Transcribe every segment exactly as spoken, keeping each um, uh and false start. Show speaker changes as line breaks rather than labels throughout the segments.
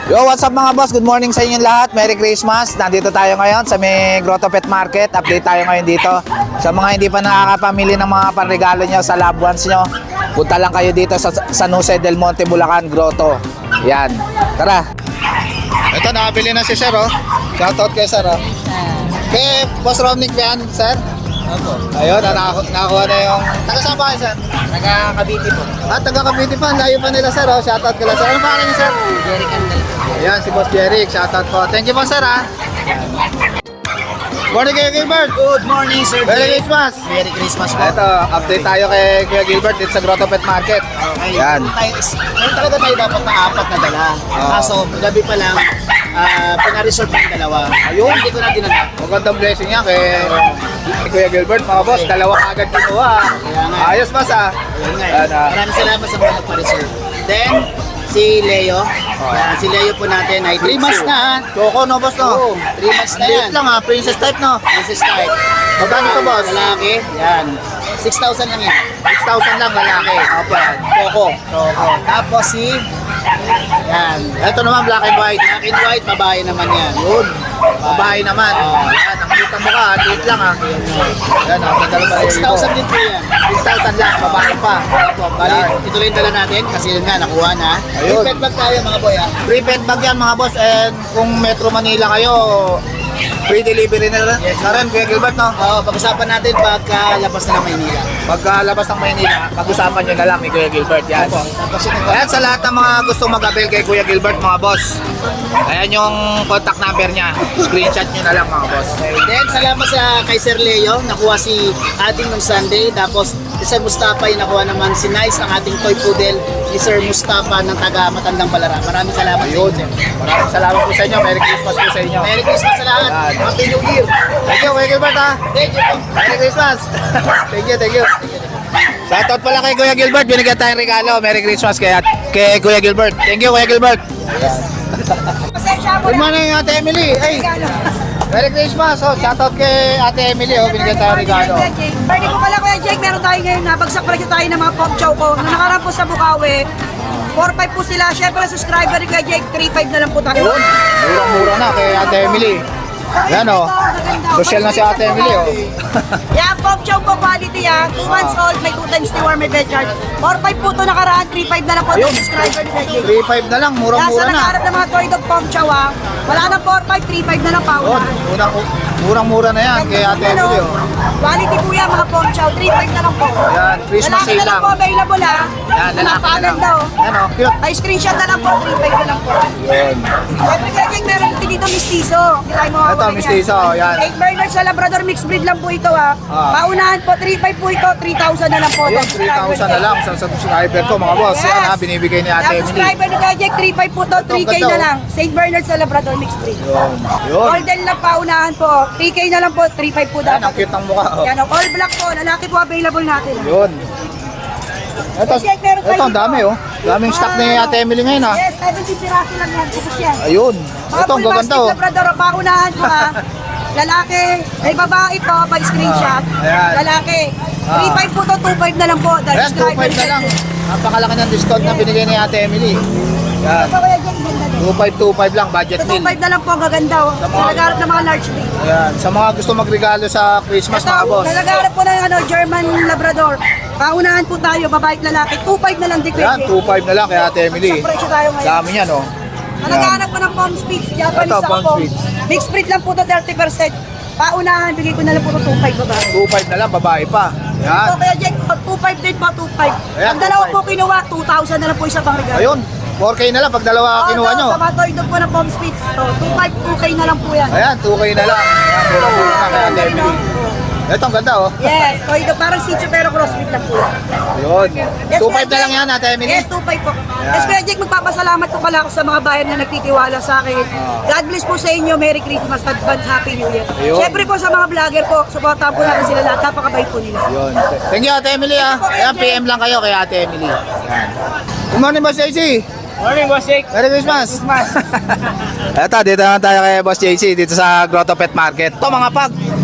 Yo, what's up mga boss? Good morning sa inyong lahat. Merry Christmas. Nandito tayo ngayon sa may Grotto Pet Market. Update tayo ngayon dito. Sa mga hindi pa nakakapamili ng mga panregalo nyo sa loved ones nyo, punta lang kayo dito sa San Jose del Monte, Bulacan, Grotto. Yan. Tara. Ito, nakabili na si Sir, oh. Shoutout kay Sir, oh. Kay Boss Romnick ba yan, Sir? Opo. Ayun, nakaku nakakuha na yung... Taga saan ba kayo, Sir?
Taga Cavite po.
Ah, taga Cavite pa. Layo pa nila, Sir, oh. Shoutout ka lang, Sir. Ano pangalan niyo, Sir?
Jerry Candel.
Ayan, si Boss Jeric. Shoutout po. Thank you po, Sir, ha. Morning kayo, Gilbert.
Good morning, Sir.
Merry Christmas.
Merry Christmas po.
Ito, update tayo kay Kuya Gilbert dito sa Grotto Pet Market.
Okay.
Yan.
Meron tayo, meron talaga tayo dapat na apat na dala.
Oo.
Kaso, gabi pa lang, uh, pina-reserve yung dalawa.
Ayun.
Hindi ko na dinala.
Magandang blessing yan kay, kay Kuya Gilbert, mga boss. Dalawa agad kinuha.
Kaya nga.
Ayos, boss, ha.
Ayun nga.
Yan, ah.
Maraming salamat sa mga nagpa-reserve. Then, si Leo. Yan, si Leo po natin ay three months na.
Choco, no, boss, no?
Oo, three months na
Liit
yan.
lang, ha. Princess type, no?
This is start.
Magkano to, boss?
Lalaki. Yan. six thousand lang yan.
six thousand lang, lalaki.
Opo yan. Choco. Choco. Tapos si... Yan.
Ito naman, black and white.
Black and white, babae naman yan.
Yun. Babae naman. Yan, nakikita mo ka, liit lang, ha. Yan, ha. Ganda naman.
six thousand din po yan.
six thousand lang, babae pa.
Opo, bali, ito lang yung dala natin kasi yun nga, nakuha na.
Ayun.
Yung pet bag tayo mga boy ah.
Free pet bag yan, mga boss. And kung Metro Manila kayo, free delivery na rin.
Yes.
Na rin, Kuya Gilbert, no?
Oo, pag-usapan natin pagkalabas na ng Maynila.
Pagkalabas ng Maynila, pag-usapan nyo na lang ni Kuya Gilbert. Yan.
Opo, tapos yun
Ayan, sa lahat ng mga gusto mag-avail kay Kuya Gilbert, mga boss. Ayan yung contact number niya. Screenshot nyo na lang, mga boss.
Then, salamat sa kay Sir Leo, nakuha si ating nung Sunday. Tapos, si Sir Mustafa, yung nakuha naman si Nice, ang ating toy poodle ni Sir Mustafa ng taga Matandang Balara. Maraming salamat
Ayun.
sa inyo, Sir.
Maraming salamat po sa inyo. Merry Christmas po sa inyo.
Merry Christmas sa lahat.
Yan.
Happy New Year.
Thank you, Kuya Gilbert, ha?
Thank you po.
Merry Christmas. Thank you, thank you. Shoutout pala kay Kuya Gilbert. Binigyan tayong regalo. Merry Christmas kay, kay Kuya Gilbert. Thank you, Kuya Gilbert. Good morning, Ate Emily. Hey, Merry Christmas. Oh, shoutout kay Ate Emily. Oh, binigyan tayong regalo.
Pwede ko pala Kuya Jake, meron tayo ngayon, nabagsak pala tayo ng mga pop chow ko. Nung nakaraan po sa Bukawi, four five po sila. Siyempre, subscriber ni Kuya Jake, three five na lang po tayo.
Yun, murang-mura na kay Ate Emily. Yan, oh. Social na si Ate Emily, oh.
Yan, pop chow po quality ah. two months old, may two times the warm, may bed charge. four five po ito nakaraan, three five na lang po
Ayun.
ito subscriber ni Kuya Jake.
three five na lang,
Yan, sa
murang-mura na.
nakaharap ng mga toy dog pop chow ah. Wala nang four five, three five na lang pa.
Yun, murang, murang-mura na yan kay Ate Emily, oh.
Quality po yan mga pop chow, three five na lang po.
Yan, Christmas
Lalaki
sale
na lang
lang.
po available ah.
Yan, lalaki na lang.
Napakaganda oh.
Yan, oh, cute.
Ay, screenshot na lang po, three five na lang po.
Yun.
Siyempre kaya Jake, meron din dito mistiso. Hindi tayo
Ito,
mawawala
mistiso, oh, yan.
Eight Bernard sa Labrador mixed breed lang po ito ha.
Ah.
Paunahan po, three five po ito, three thousand na lang po.
Ayun, three thousand na lang sa subscriber ko, mga boss. Yan, ha, binibigay ni Ate
Yung
Emily.
subscriber ni Kuya Jake, three five po to, three K
ganda,
na
oh.
lang. Saint Bernard sa Labrador mixed breed.
Yun. Yun.
Golden lang paunahan po, three K na lang po, three five po
Yan, ang
dapat.
cute ng mukha, oh.
Yan o, all black po, lalaki po available natin. ah.
Yun. Ito,
Yes, meron tayo
ito, ang
dito.
dami, oh. Daming stock ni Ate Emily ngayon, ha.
Yes, seventeen piraso lang yan, tapos yan.
Ayun.
Mga
Ito, ang
full
gaganda,
basket
oh.
Labrador, paunahan po ha. Lalaki, may babae po, by screenshot.
Ah, ayan.
Lalaki,
Ah.
three five po to, two five na lang po. Dahil
Ayan, two five na lang. Napakalaki ng discount na binigay ni Ate Emily. Yan.
Ito kaya dyan, ganda din.
two five two five lang, budget
Ito two
meal.
five na lang po, ang gaganda oh. Sa
mga-
nagharap ng mga large breed.
Ayan. Sa mga gusto magregalo sa Christmas,
Ito,
mga boss.
nagharap po ng ano, German Labrador. Paunahan po tayo, babae at lalaki. two five na lang din
Ayan, two five na lang kay Ate Emily.
Sa presyo tayo ngayon.
Dami yan, oh.
Ang naghahanap po ng Palm Spitz, Japanese
Ito,
sa
Palm
Palm.
Spitz.
Mixed breed lang po to, thirty percent. Paunahan, bigay ko na lang po to two five babae.
two five na lang, babae pa. Yan.
So, kaya Jack, two five din po, two five.
Ayan,
Ang dalawa
two
po
five.
kinuha, two thousand na lang po isa pang regalo.
Ayun, four K na lang pag dalawa kinuha nyo.
Sa mga toy dog po ng Palm Spitz, so, two five, two K na lang po yan.
Ayan, two K na lang. Ayan, mura-mura na kay Ate Emily. Ito, ang ganda, oh.
Yes, toy dog, parang Shih Tzu pero crossbreed lang po yan.
Ayun.
Yes,
two five
Kuya
na lang
Jack.
yan, Ate Emily.
Yes, two five po. Yes, Kuya Jack, magpapasalamat po pala ako sa mga bayan na nagtitiwala sa akin. God bless po sa inyo. Merry Christmas, advance Happy New Year.
Ayun.
Siyempre po sa mga vlogger po, supportahan po natin sila lahat. Napakabait po nila.
Yun. Thank you, Ate Emily, ah. Ayan, P M lang kayo kay Ate Emily. Ayan. Good morning, Boss J C.
Morning, Boss Jake.
Merry Christmas. Eto, dito naman tayo kay Boss J C dito sa Grotto Pet Market. Ito, mga pag.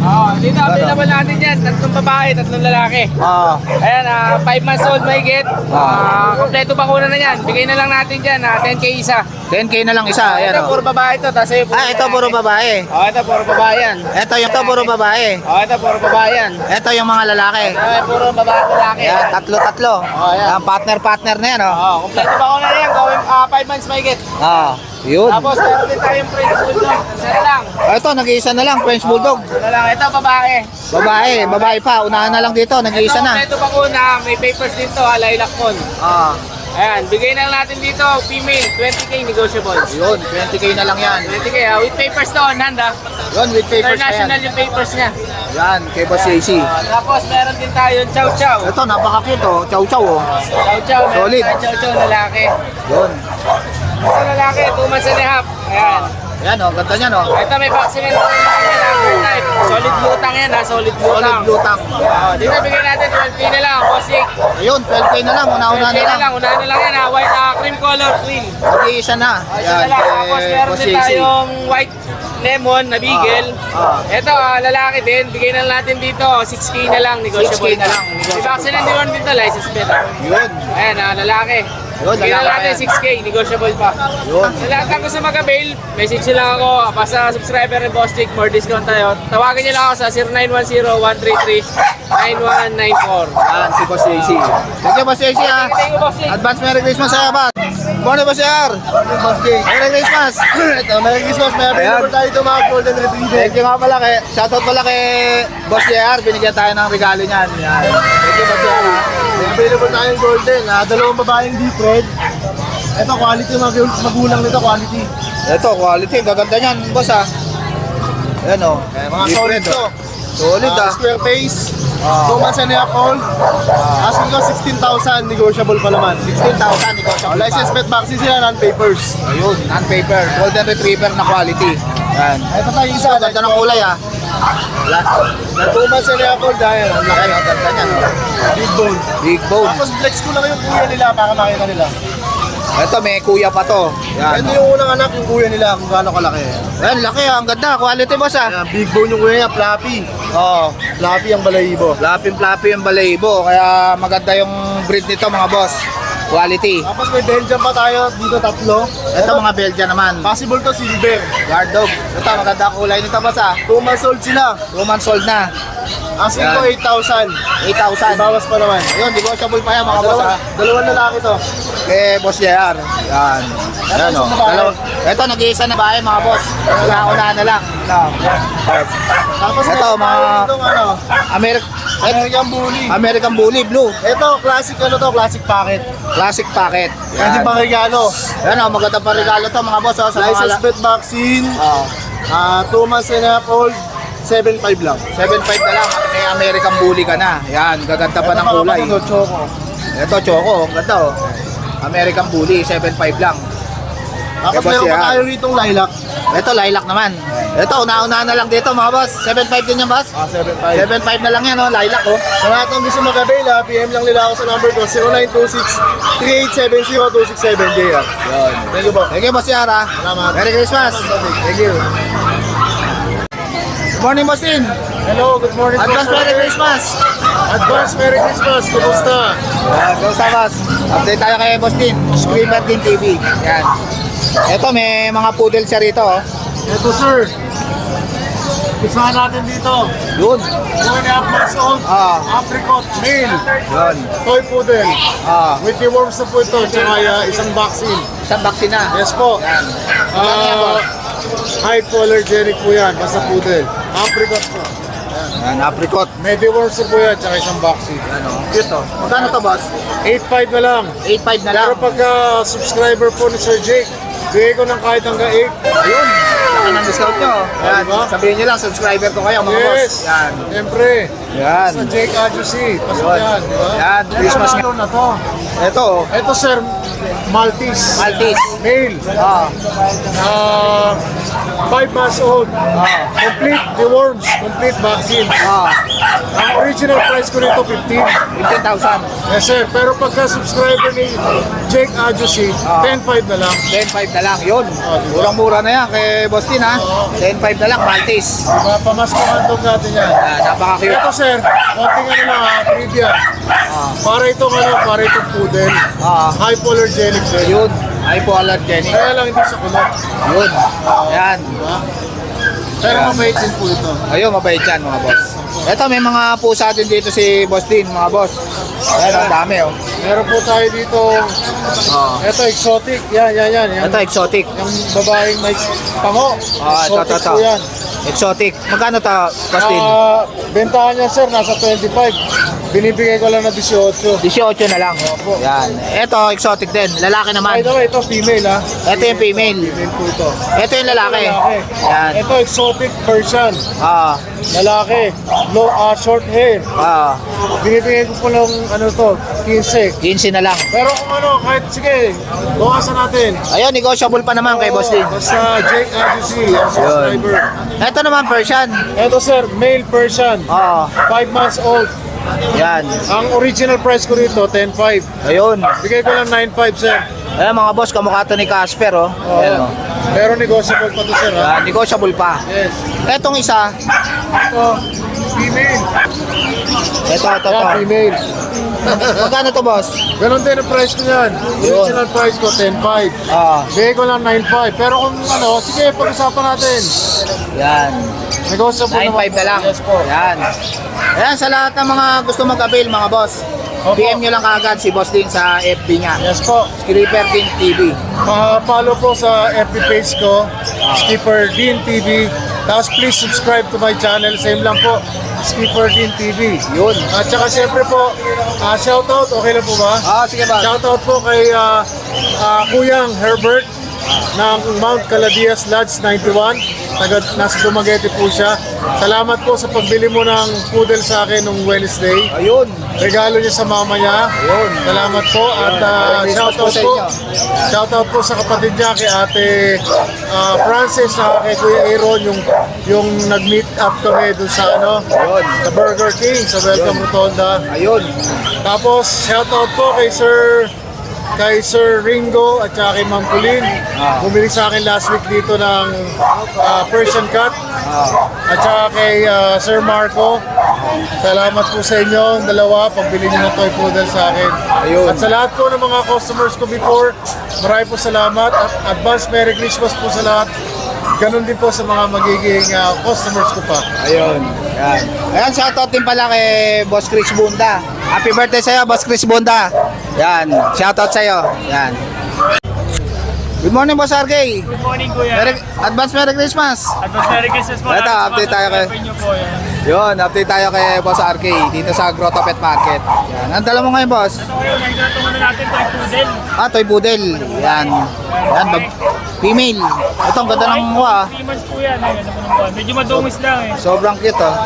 Oh, dito available natin yan. Tatlong babae, tatlong lalaki.
Ah,
Ayan, five months old may get. Ah, kompleto bakuna na yan. Bigay na lang natin dyan, ah, ten K isa.
ten K na lang isa. Ayan,
Ito,
oh.
puro babae ito. Tapos yung
Ah, ito puro babae.
Oh, ito, puro babae yan.
Ito yung ito puro babae.
Oh, ito, puro babae yan.
Ito yung mga lalaki.
Ito, puro babae at lalaki.
Ayan, tatlo-tatlo.
Oh, ayan.
Ayan, partner-partner na yan, oh.
Oh, kompleto bakuna na yan. Gawin ah, five months may get.
Ah, yun.
Tapos, meron din tayong French Bulldog. Isa na lang.
Ah, ito, nag-iisa na lang, French Bulldog.
Isa na lang. Ito, babae.
Babae, babae pa. Unahan na lang dito, nag-iisa
Ito,
na.
kompleto bakuna. May papers din to, lilac phone.
Ah,
Ayan, bigay na lang natin dito, female, twenty K negotiable.
yun, twenty K na lang yan.
twenty K, ah, with papers to on hand ah.
Yun, with papers na yan.
International yung papers niya.
Yan, kay Boss J C.
Ah, tapos meron din tayong chow chow.
Ito, napaka-cute, oh. Chow-chow, oh.
Chow chow, meron
Solid.
tayong chow chow lalaki.
Yun.
Ito lalaki, two months and a half. Ayan.
Yan, oh, ganda niyan, oh.
Ito may vaccine na type. Solid lutang yan ha, solid
Solid
lutang.
lutang.
Oh, dito bigay natin twelve K na lang, bossing.
Ayun, twelve K na lang, una-una
twelve K
na
na
lang.
lang, unahan na lang yan ha, white ah, cream color, clean.
Mag-iisa na.
Isa na lang, tapos
kay
meron
Boss
din
J C.
tayong white lemon na beagle.
Ah, ah.
Ito, ah, lalaki din. Bigay na lang natin dito. six K na lang, negotiable.
six K na lang, negotiable
Di vaccine
pa.
and deworm dito, license plate. ah.
Yun.
Ayan, ah, lalaki.
Yun,
Bigay na
lalaki
natin
yan.
six K, negotiable pa.
Yun.
Sa lahat ng gusto mag-avail, message nyo lang ako. Basta subscriber ni Boss Chick, more discount tayo. Tawagin nyo lang ako sa zero nine one zero, one three three, nine one nine four.
Yan, si Boss J C. Thank you, Boss J C, ha.
Thank you, Boss Chick.
Advance Merry Christmas sa'yo, Bat. Morning, Boss Yar.
Boss J.
Merry Christmas.
Ito, Merry Christmas. May available tayo ito mga Golden Retriever.
Thank you nga pala kay, shoutout pala kay Boss Yar. Binigyan tayo ng regalo niyan. Yan. Thank you, Boss Yar, ha.
May available tayong Golden. Ah, dalawang babaeng deep red. Ito, quality mga magulang nito, quality.
Ito, quality. Gaganda niyan, Boss, ha. Ayan, oh.
Eh, mga
Deep
solid
red,
to.
oh. Solid,
Ah,
ah.
square face.
Ah.
two months and a half old. Asking ko sixteen thousand, negotiable pa naman.
sixteen thousand, ikaw siya.
Oh, license pet vaccine sila, non-papers.
Ayun, non-paper. Golden Retriever na quality. Yan.
Ito tayo isa.
Isa, ganda ng kulay, ah. Wala.
Na two months and a half old dahil. Ang laki.
Ay, ang ganda niyan, oh.
Big bone.
Big bone.
Tapos flex ko lang yung kuya nila para makita nila.
Ito, may kuya pa to. Yan.
Ito yung unang anak yung kuya nila kung gaano kalaki.
Yan, laki, ah. Ang ganda. Quality, boss, ah.
Ayan, big bone yung kuya niya, fluffy.
Oo.
Fluffy ang balahibo.
Lapin-flappy yung balaybo. Kaya maganda yung breed nito, mga boss. Quality.
Tapos may Belgian pa tayo, dito tatlo.
Ito, mga Belgian naman.
Possible to silver.
Guard dog. Ito, maganda ang kulay nito, boss, ah.
two months old sila.
Two months old na.
Asking
Yan.
ko eight thousand.
eight thousand.
Bawas pa naman.
Yun, negotiable pa yan, mga boss,
Dalawa,
ah.
dalawang lalaki to.
Kay Boss J R. Yan. Yan, o. Dalawa. Ito, nag-iisa na bahay, mga boss. Una-una na lang.
Tapos
Ito,
meron tayo
mga-
ditong ano,
Ameri-
American Bully.
American Bully Blue.
Ito, classic ano to, classic packet.
Classic packet.
Pwede
Yan.
pang regalo.
Yan, o. Maganda pa regalo to, mga boss, o. Sa mga...
License
la-
pet vaccine.
Oo.
Ah, two months and a half old. seven five lang.
seven five na lang. May American Bully ka na. Yan, gaganda pa
Ito
ng
mga
kulay.
kapatid, choco.
Ito, Choco. Ang ganda, o. American Bully, seven five lang.
Tapos
Ito,
meron
siya.
pa tayo ritong lilac.
Ito, lilac naman. Ito, una-una na lang dito, mga boss. seven five din yan, boss.
Ah, seven five.
seven five na lang yan, o. Lilac, o.
Sa lahat ng gusto mag-avail, ha, P M lang nila ako sa number ko, zero nine two six, three eight seven zero, two six seven, J R.
Yun.
Thank you po.
Thank you, Boss Yara.
Salamat.
Merry Christmas. Thank you. Good morning, Boss Tin.
Hello, good morning po,
Advance
sir.
Merry Christmas.
Advance Merry Christmas, kumusta?
Yan, go sa boss. Update tayo kay Boss Tin. Screamer Din T V. Yan. Ito, may mga poodle siya rito, oh.
Ito sir, isahan natin dito.
Yun.
One and a half months old,
Ah.
apricot, male,
Yun.
toy poodle.
Ah,
With the worms na po ito, tsaka uh, isang vaccine.
isang vaccine na.
Yes po.
Yan. Magkano yan,
Uh,
boss?
hypoallergenic po yan, basta poodle. Apricot po.
Yan, apricot.
Mediworms na po yan, tsaka isang vaccine.
Yan, oh. Cute, oh. Magkano to, boss?
eight five na lang.
eight five na lang.
Pero pagka subscriber po ni Sir Jake, bigay ko ng kahit hanggang eight.
Ayun. Laki ng discount nyo. Yan.
diba?
Sabihin nyo lang, subscriber ko kayo, mga boss.
Yes.
Yan.
Siyempre.
Yan.
Sa Jake Adjusi. Pasok
Yun.
yan. Diba?
Yan, Christmas
Ito na to.
Ito, oh.
Ito sir, Maltese.
Maltese.
Male.
Ah.
Uh, five months old.
Ah.
Complete deworms. Complete vaccine.
Ah.
Ang original price ko nito fifteen.
fifteen thousand.
Yes sir. Pero pagka subscriber ni Jake Adjusi,
Ah.
ten five na lang.
ten five na lang. Yun.
Ah, diba?
Murang-mura na yan kay Boss Tin. Boston ha. ten five na lang, Maltese.
Diba, pamaskahan dog natin yan.
Yan, napaka-cute.
Ito sir, konting ano lang ha, trivia. Para itong ano, para itong poodle.
Ah,
Hypoallergenic sir.
yun. Hypoallergenic.
Kaya lang hindi sa kulot.
Yun. Yan.
Diba? Pero mabait din po ito.
Ayun, mabait yan mga boss. Ito, may mga pusa din dito si Boss Din, mga boss. Ayan, ang dami oh.
Meron po tayo dito,
Oh.
ito exotic. Yan, yan, yan. yan.
Ito, exotic.
Yung babaeng may pango.
Ah, ito, ito,
Exotic
ito.
po yan.
Exotic. Magkano to, Boss Din?
Ah, bentahan niya sir, nasa twenty-five. Binibigay ko lang na eighteen.
eighteen na lang. Yan. Ito, exotic din. Lalaki
By
naman.
the way, ito female ha.
Ito yung female.
Female po ito.
Ito yung lalaki.
Lalaki.
Yan.
Ito exotic Persian.
Ah,
Lalaki. Low, ah, short hair.
ah,
Binibigay ko po lang ano to, fifteen.
fifteen na lang.
Pero kung ano, kahit sige, bawasan natin.
Ayun, negotiable pa naman kay Boss Din.
Basta Jake Agency, ang subscriber.
Ito naman, Persian.
Ito sir, male Persian.
Ah,
five months old.
yan.
Ang original price ko rito, ten five.
Ayun.
Bigay ko lang nine five sir.
Ayan mga boss, kamukha to ni Casper oh. Ayan oh.
Pero negotiable pa to sir ha.
Yan, negotiable pa.
Yes.
Etong isa,
Ito, female.
ito, ito,
Yan,
ito.
female.
Magkano to boss?
Ganon din ang price ko yan. Original price ko, ten five.
Ah,
Bigay ko lang nine five. Pero kung ano, sige, pag-usapan natin.
yan.
Negotiable
nine five na lang.
Yes po.
Yan. Ayan, sa lahat ng mga gusto mag-avail mga boss,
Opo.
D M nyo lang kaagad si Boss Din sa F B niya.
Yes po.
Skipper Din T V.
Pa-follow po sa F B page ko, Skipper Dean T V. Tapos please subscribe to my channel. Same lang po, Skipper Dean T V.
Yun.
At saka siyempre po, uh, shoutout, okay lang po ba?
Ah, sige boss.
Shoutout po kay ah, ah, Kuyang Herbert ng Mount Caladias Lodge ninety-one. Taga, nasa Dumaguete po siya. Salamat po sa pagbili mo ng poodle sa akin nung Wednesday.
Ayun.
Regalo niya sa mama niya.
Ayun.
Salamat po. At uh,
Merry Christmas
shoutout
po sa
po.
inyo.
Shoutout po sa kapatid niya kay Ate ah, Francis at kay Kuya Aaron yung yung nag-meet up kami dun sa ano,
Ayun.
sa Burger King sa Welcome Rotonda.
Ayun.
Tapos shoutout po kay Sir kay Sir Ringo at saka kay Ma'am Pauline.
Ah.
Bumili sa akin last week dito ng ah, Persian Cat.
Ah,
At saka kay ah, Sir Marco. Salamat po sa inyo, ang dalawa, pagbili niyo ng toy poodle sa akin.
Ayun.
At sa lahat po ng mga customers ko before, marami po salamat. At advance Merry Christmas po sa lahat. Ganon din po sa mga magiging ah, customers ko pa.
ayun. Yan. Ayan, shoutout din pala kay Boss Chris Bunda. Happy birthday sa'yo, Boss Chris Bunda. Yan, shoutout sa'yo. Yan. Good morning, Boss R K.
Good morning, Kuya.
Merry, advance Merry Christmas.
Advance Merry Christmas po.
Ito, update tayo kay-
Nyo po, yan.
Yun, update tayo kay Boss R K dito sa Grotto Pet Market. Yan. Ang dala mo ngayon, Boss?
Ito ngayon, nagtatungan na natin toy poodle.
Ah, toy poodle. Yan. Yan, bag, female. Ito, ang ganda ng mukha. ah.
three months po yan. Ay, ano po ng buwan. Medyo madungis lang eh.
Sobrang cute, oh.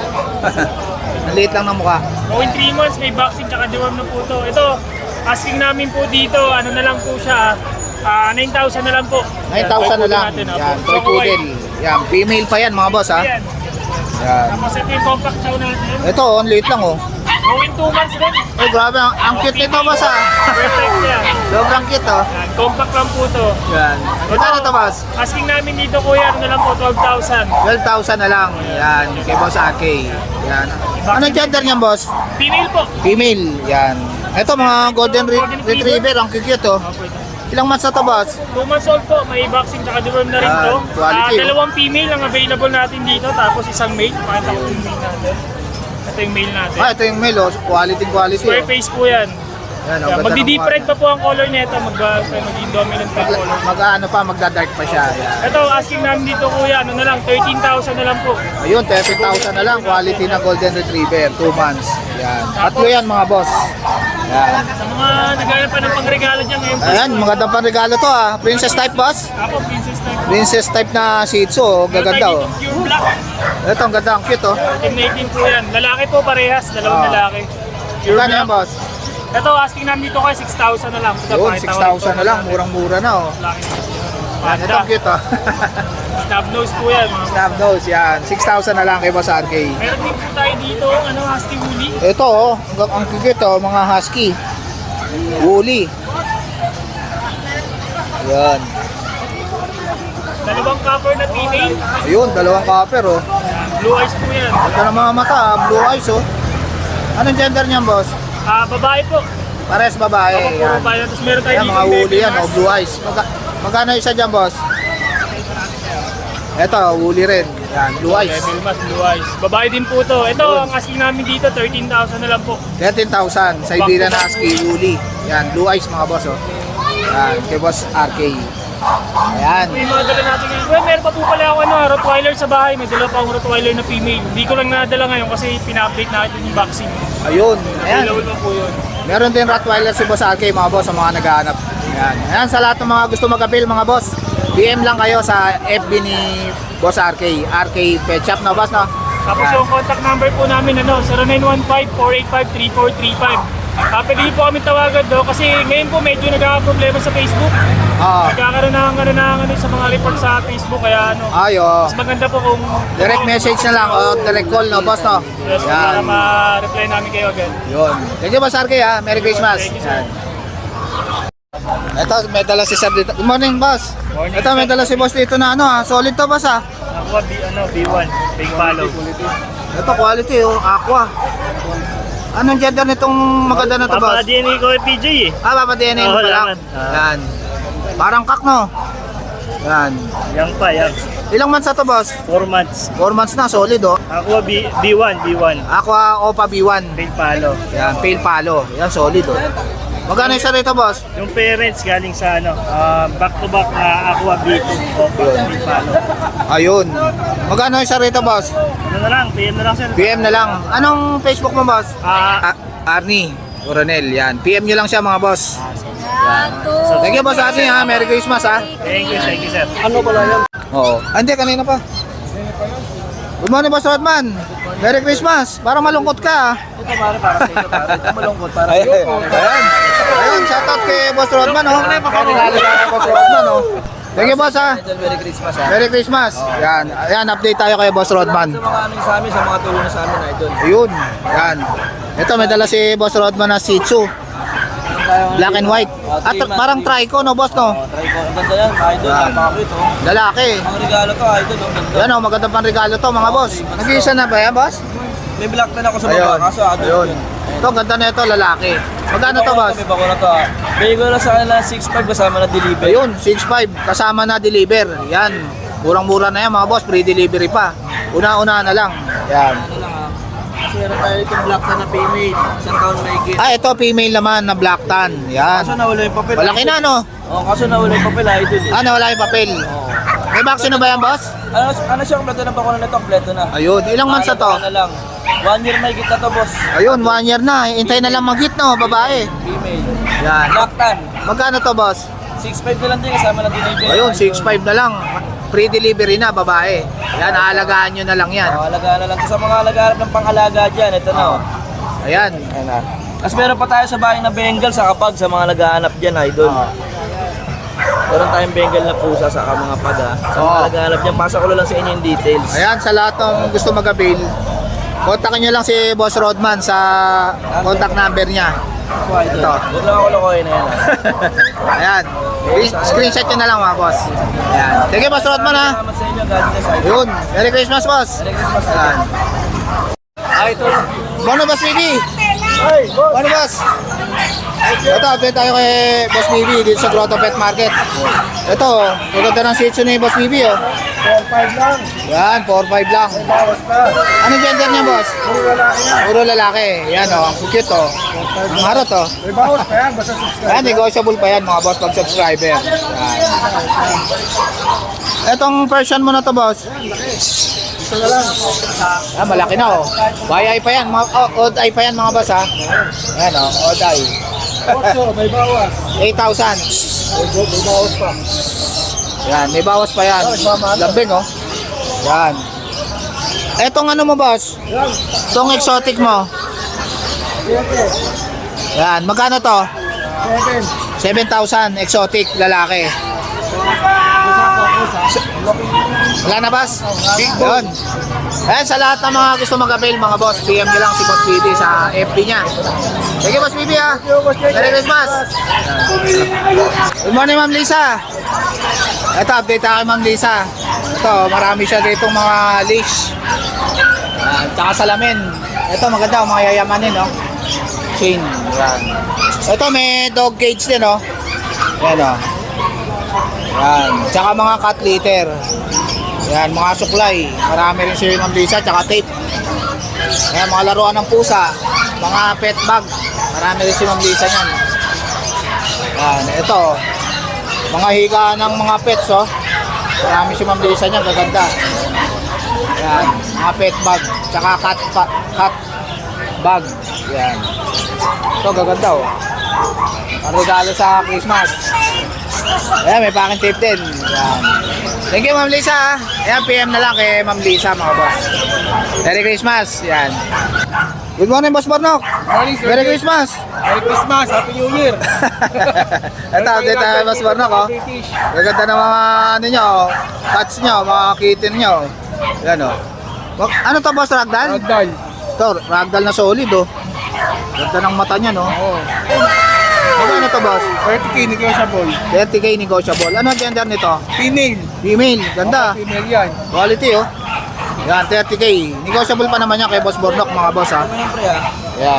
Ang liit lang ng mukha.
Going three months, may vaccine tsaka deworm na po to. Ito, asking namin po dito, ano na lang po siya, ah, nine thousand na lang po.
nine thousand na lang.
Natin, ah.
Yan, toy
Choco white.
poodle. Yan, female pa yan, mga boss, ha.
Yan.
Yan.
Tapos ito yung compact chow natin.
Ito, oh, ang liit lang, oh.
Going two months din.
Oh, grabe, ang, ang cute nito, boss, ha.
Perfect yan.
Sobrang cute, oh.
Yan, compact lang po to.
Yan. Magkano to, boss?
Asking namin dito kuya, ano na lang po, twelve thousand.
twelve thousand na lang. Yan, kay Boss A K. Yan. Anong gender niyan, boss?
Female po.
Female. Yan. Ito, mga golden re- retriever. Ang cute, oh. Ilang months na to, boss?
two months old po, may vaccine tsaka deworm na rin
Yan,
to.
quality,
Ah,
oh.
dalawang female ang available natin dito, tapos isang male. Pakita ko yung male natin. Ito yung male natin.
Ah, ito yung male, oh. Quality, quality,
Square
oh.
face po yan.
Yan, oh.
Yan,
Ganda ng
magdi-deep
mukha
red
niya.
pa po ang color nito, mag, maging dominant pa yung color.
Mag, ano pa, magda-dark pa siya. Yan.
Ito, asking namin dito kuya, ano na lang, thirteen thousand na lang po.
Ayun, thirty thousand na lang. Quality na golden retriever. two months. Yan. Tatlo yan, mga boss. Yan.
Sa mga naghahanap pa ng pangregalo dyan ngayon po.
Ayan, magandang panregalo to, ah. Princess type, boss.
Ako, princess type.
Princess type na Shih Tzu, oh.
Meron
Gaganda,
tayo
oh.
dito, pure black.
Ito, ang ganda, ang cute, oh.
Team eighteen po yan. Lalaki po parehas, dalawang
Ah.
lalaki. Pure
Magkano yan,
black.
boss?
Ito, asking namin dito kay six thousand na lang. Ito,
Yun,
pakita
six
ko
thousand
rin
na lang.
po.
Murang-mura na, oh.
Laki.
Yan, ito,
Panda.
ang cute, oh.
Snub nose po yan. Mga.
Snap nose, yan. six thousand na lang kay Boss R K.
Meron din po tayo dito, ano, husky woolly.
Ito, oh. Ang, ang cute, oh. Mga husky. Woolly. Yan.
Dalawang copper na female.
Ayun, dalawang copper oh.
Blue eyes po yan.
Ito ng mga mata, ah, blue eyes oh. Anong gender niyan, boss?
Ah, babae po.
Pares babae.
Puro
Yan.
babae. Tapos meron tayo
Yan, mga woolly yan oh, blue eyes. Magka magkano isa dyan, boss? Ito, woolly rin. Yan, blue eyes.
Devil Mas, blue eyes. Babae din po to. Ito, ang asking namin dito, thirteen thousand na lang po.
thirteen thousand. Siberian Husky, woolly. Yan, blue eyes mga boss oh. Yan, kay boss R K. Ayan.
May mga dala natin ngayon. Well, meron pa po pala ako ano, Rottweiler sa bahay. May dala pa akong Rottweiler na female. Hindi ko lang nadala ngayon kasi pina-update natin yung vaccine.
Ayun. Ayan.
Available pa po yun.
Meron din Rottweiler si Boss R K mga boss sa mga naghahanap. Ayan. Ayan, sa lahat ng mga gusto mag-avail mga boss, D M lang kayo sa F B ni Boss R K. R K Pet Shop na boss no?
Tapos
Ayan.
yung contact number po namin ano, zero nine one five, four eight five, three four three five. Uh, pwede niyo po kami tawagan do kasi ngayon po medyo nagkakaproblema sa Facebook.
Oo.
Nagkakaroon ng ano, ng ano sa mga report sa Facebook kaya ano.
Ayo.
Mas maganda po kung
Direct message na lang o direct call no boss no?
yes, para
Yan.
ma-reply namin kayo agad.
Yun. Thank you Boss R K ha. Merry Christmas.
Thank you, sir.
Ito, may dala si Sir dito. Good morning, boss.
Morning,
Ito, may
sir.
dala si boss dito na ano ha. Solid to boss ha.
Aqua B, ano, B one, big follow.
Ito, quality oh. Aqua. Anong gender nitong maganda na to boss?
Papa D N A ko kay P J eh.
Ah, Papa D N A mo
Oo,
pala.
laman. Ah.
Yan. Parang kak no? Yan.
Yang pa, yang.
Ilang months na to boss?
four months.
four months na, solid oh.
Aqua B, B1, B1.
Aqua Opa B one.
Big follow.
Yan, pale palo. Yan, solid oh. Magkano isa rito boss?
Yung parents galing sa ano, ah, back to back na Aqua B two. Opa, big follow.
Ayun. Magkano isa rito boss?
Ano na lang, P M na lang sir.
P M na lang. Anong Facebook mo boss?
Ah,
A- Arnie Coronel, yan. P M nyo lang siya mga boss.
So,
Thank you boss Arnie ha. Merry Christmas ha.
thank you, thank you sir.
Ano pala yan? Oo. Ah, hindi, kanina pa. Good morning boss Rodman. Merry Christmas. Parang malungkot ka ha.
Ito pare, para sa ito pare. Ito malungkot para
Ayan. Ayan. Ayun, shoutout kay Boss Rodman oh. Regalo ka Boss Rodman oh. Thank you boss ha.
Merry Christmas ha.
Merry Christmas. Yan. Ayan, update tayo kay Boss Rodman.
Sa mga ano sa amin, sa mga tulong sa amin idol.
Ayun. Yan. Ito, may dala si Boss Rodman na Shih Tzu. Black and white. At parang trico no boss no?
Try ko. Ang ganda yan, idol.
Yan.
Napakabit oh.
Lalaki.
Mga regalo to idol. Ang ganda.
Yan oh, magandang panregalo to mga boss. Nag-iisa na ba yan boss?
May black na ako sa
Ayun.
baba. Kaso idol.
Ayun. Ito, ganda na ito, lalaki. Magkano to boss?
May bako na to ha. Bigay ko na sa kanila six five kasama na deliver.
Ayun, six five kasama na deliver. Yan. Murang-mura na yan mga boss, free delivery pa. Una-una na lang. Yan.
Ano lang ha. Kasi meron tayo itong black na na female. Isang taon na higit.
Ah, ito female naman na black tan. Yan.
Kaso nawala yung papel.
Malaki na no?
Oo, kaso nawala yung papel idol eh.
Ah, nawala yung papel. May vaccine na ba yan boss?
Ano, ano siya, kompleto na bako na ito, kompleto na.
Ayun, ilang months na to?
Ano lang. One year may higit na to boss.
Ayun, one year na. Hintay na lang mag-hit no, babae.
Female.
Yan.
Black tan.
Magkano to boss?
six five na lang din kasama na deliver.
Ayun, six five na lang. Free delivery na, babae. Yan, aalagaan nyo na lang yan.
Oh, alaga na lang. Sa mga alaga ng pang-alaga dyan, ito na oh.
Ayan.
Tapos meron pa tayo sa bahay na Bengal sa kapag sa mga naghahanap dyan, idol. Meron tayong Bengal na pusa sa mga paga. Sa mga
Oo.
naghahanap dyan, pasa ko lang sa inyo yung details.
Ayan, sa lahat ng gusto mag-avail, kontakin nyo lang si Boss Rodman sa contact number niya.
So, idol.
Ito.
Huwag lang ako lokohin na yan. ah.
Ayan. Screenshot nyo na lang mga boss. Ayan. Thank you, Boss Rodman ha.
Salamat sa inyo, God bless, idol.
Yun. Merry Christmas, boss.
Merry Christmas, idol.
Ayan.
Ah, ito.
Bono, Boss Bibi. Bono, boss. Ito, update tayo kay Boss Bibi dito sa Grotto Pet Market. Ito, maganda ng Shih Tzu ni Boss Bibi, oh.
four five lang.
Yan, four five lang.
Bawas pa.
Anong gender niya, boss?
Puro lalaki yan.
Puro lalaki. Yan, oh. Ang cute, oh. Ang harot, oh.
May bawas pa yan. Basta subscribe.
Ayan, negotiable pa yan mga boss pag subscriber. Yan. Etong version mo na to, boss.
Ito na lang.
Ah, malaki na, oh. Y I pa yan. Mga, oh, odd eye pa yan mga boss, ha. Ayan, oh. Odd eye.
Otso, may bawas.
eight thousand.
May, may bawas pa.
Yan, may bawas pa yan. Lambing, oh. Yan. Etong ano mo, boss?
Yan.
Itong exotic mo.
Siyete.
Yan, magkano to?
Seven.
seven thousand, exotic, lalaki. Wala na, boss? Yun. Ayan, sa lahat ng mga gusto mag-avail, mga boss, P M nyo lang si Boss B B sa F B niya. Thank you, Boss B B, ha. Merry Christmas. Good morning, Ma'am Lisa. Ito, update tayo, Ma'am Lisa. Ito, marami siya dito mga leash. Ayan, tsaka salamin. Ito, maganda, mga yayamanin, no? Chain. Yan. Ito, may dog cage din, no? Yan, no? Yan. Tsaka mga cat litter. Yan, mga suklay. Marami rin siya ng Lisa, tsaka tape. Yan, mga laruan ng pusa. Mga pet bag. Marami rin siya ng Lisa yan. Yan, ito. Mga higa ng mga pets, oh. Marami siya ng Lisa niyan, gaganda. Yan, mga pet bag. Tsaka cat, pa, cat bag. Yan. Ito, gaganda, oh. Ang regalo sa Christmas. Ayan, may packing tape din. Ayan. Thank you, Ma'am Lisa. Ha? Ayan, P M na lang kay Ma'am Lisa, mga boss. Merry Christmas. Ayan. Good morning, Boss Bornok.
Morning, sir.
Merry Christmas.
Merry Christmas, Happy New Year.
Ito, update tayo, Boss Bornok. Oh. Gaganda ng mga ano nyo, oh. Cats nyo, mga kitten nyo. Ayan, oh. Wag- Ano to, Boss Ragdoll?
Ragdoll.
Ito, Ragdoll na solid, oh. Ganda ng mata niya, no?
Oo.
Ano to, Boss?
thirty K negotiable.
thirty K negotiable. Ano ang gender nito?
Female.
Female. Ganda.
Female yan.
Quality, oh. Yan, thirty K. Negotiable pa naman yan kay Boss Bornok, mga boss, ha. Yan.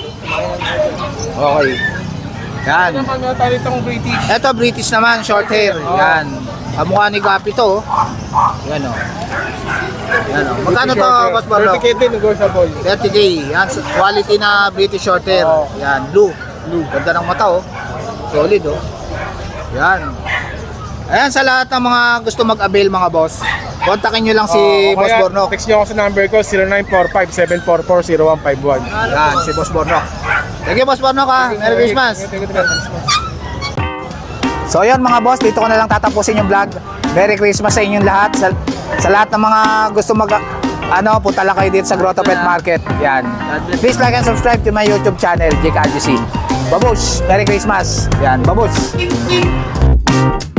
Okay. Yan.
Ano naman meron tayo itong British?
Ito, British naman, short hair. Yan. Kamukha ni Gapi to, oh. Yan, oh. Yan, oh. Magkano to, Boss Bornok?
thirty K din negotiable.
thirty K. Yan, quality na British short hair. Yan, blue. Blue. Ganda ng mata, oh. Solid, oh. Yan. Ayan, sa lahat ng mga gusto mag-avail, mga boss, kontakin nyo lang si
Oh,
Boss
kaya
Bornok.
Text nyo ako sa number ko, zero nine four five seven four four zero one five one.
Yan, si Boss Bornok. Thank you, Boss Bornok, ha. Merry Christmas.
Thank you, Merry Christmas.
So yun mga boss, dito ko na lang tatapusin yung vlog. Merry Christmas sa inyong lahat. Sa, sa lahat ng mga gusto mag ano, punta lang kayo dito sa Grotto Pet Market. Yan. Please like and subscribe to my YouTube channel, Jake R G C. Babush! Merry Christmas! Yan, babush!